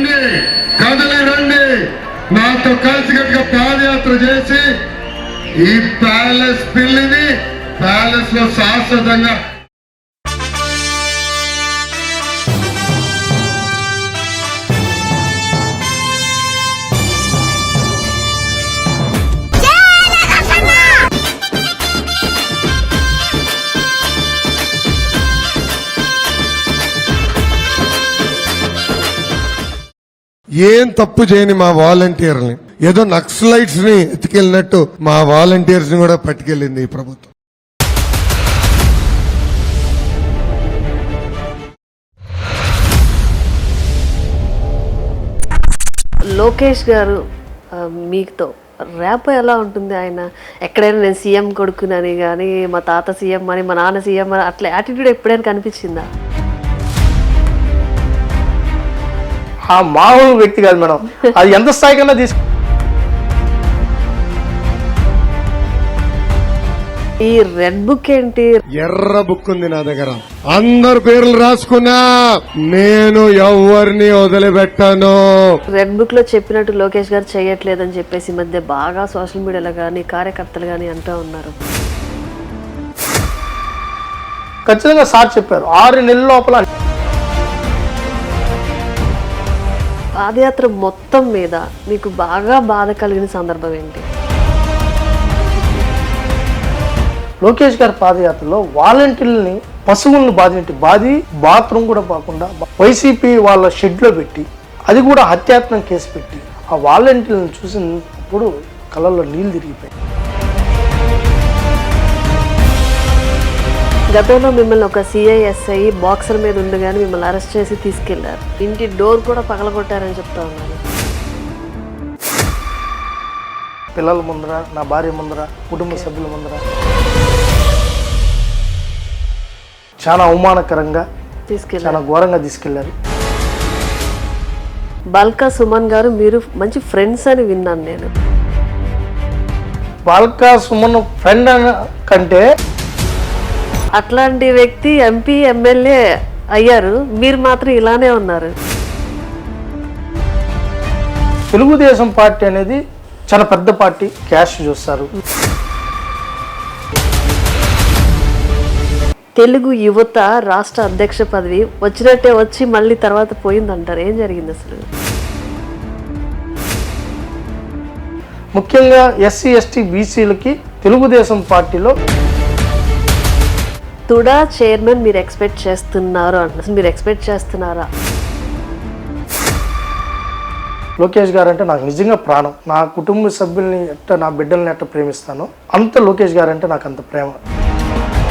రండి, కదలి రండి, నాతో కలిసికట్టుగా పాదయాత్ర చేసి ఈ ప్యాలెస్ పిల్లిని ప్యాలెస్ లో శాశ్వతంగా ఏం తప్పు చేయని మా వాలంటీర్ని ఏదో నక్సలైట్స్ ని ఎత్తుకెళ్ళినట్టు మా వాలంటీర్స్ ని కూడా పట్టుకెళ్ళింది ఈ ప్రభుత్వం. లోకేష్ గారు మీతో ర్యాప్ ఎలా ఉంటుంది? ఆయన ఎక్కడైనా నేను సీఎం కొడుకునని కానీ మా తాత సీఎం అని మా నాన్న సీఎం అని అట్లా యాటిట్యూడ్ ఎప్పుడైనా కనిపించిందా? ఆ మామూలు వ్యక్తి కాదు మేడం, అది ఎంత స్థాయి కన్నా ఈ రెడ్ బుక్ ఏంటి? ఎర్ర బుక్ ఉంది నా దగ్గర, అందరు పేర్లు రాసుకున్నా, నేను ఎవరిని వదిలిపెట్టాను. రెడ్ బుక్ లో చెప్పినట్టు లోకేష్ గారు చేయట్లేదని చెప్పేసి మధ్య బాగా సోషల్ మీడియాలో కానీ కార్యకర్తలు కానీ అంటూ ఉన్నారు. ఖచ్చితంగా సార్ చెప్పారు 6 నెలల లోపల. పాదయాత్ర మొత్తం మీద మీకు బాగా బాధ కలిగిన సందర్భం ఏంటి? లోకేష్ గారి పాదయాత్రలో వాలంటీర్లని పశువులను బాధి బాత్రూమ్ కూడా పోకుండా వైసీపీ వాళ్ళ షెడ్ లో పెట్టి, అది కూడా హత్యాత్మక కేసు పెట్టి, ఆ వాలంటీర్లను చూసినప్పుడు కళ్ళల్లో నీళ్లు తిరిగిపోయాయి. గతంలో మిమ్మల్ని ఒక సిఐఎస్ఐ బాక్సర్ మీద ఉండగానే మిమ్మల్ని అరెస్ట్ చేసి తీసుకెళ్లారు. ఇంటి డోర్ కూడా పగలగొట్టారని చెప్తా ఉన్నారు. పిల్లల ముందర, నా భార్య ముందర, కుటుంబ సభ్యుల ముందర చాలా అవమానకరంగా చాలా ఘోరంగా తీసుకెళ్లారు. బల్కా సుమన్ గారు మీరు మంచి ఫ్రెండ్స్ అని విన్నాను నేను. బాల్కా సుమన్ ఫ్రెండ్ కంటే అట్లాంటి వ్యక్తి ఎంపీ ఎమ్మెల్యే అయ్యారు, మీరు మాత్రం ఇలానే ఉన్నారు. తెలుగుదేశం పార్టీ అనేది చాలా పెద్ద పార్టీ, క్యాష్ చూస్తారు. తెలుగు యువత రాష్ట్ర అధ్యక్ష పదవి వచ్చినట్టే వచ్చి మళ్ళీ తర్వాత పోయిందంటారు. ఏం జరిగింది అసలు? ముఖ్యంగా ఎస్సీ ఎస్టీ బీసీలకి తెలుగుదేశం పార్టీలో తుడా చైర్మన్ మీరు ఎక్స్పెక్ట్ చేస్తున్నారు అంటున్నారు. మీరు ఎక్స్పెక్ట్ చేస్తున్నారా? లోకేష్ గారు అంటే నాకు నిజంగా ప్రాణం. నా కుటుంబ సభ్యుల్ని ఎట్ట, నా బిడ్డల్ని ఎట్ట ప్రేమిస్తానో అంత లోకేష్ గారు అంటే నాకు అంత ప్రేమ.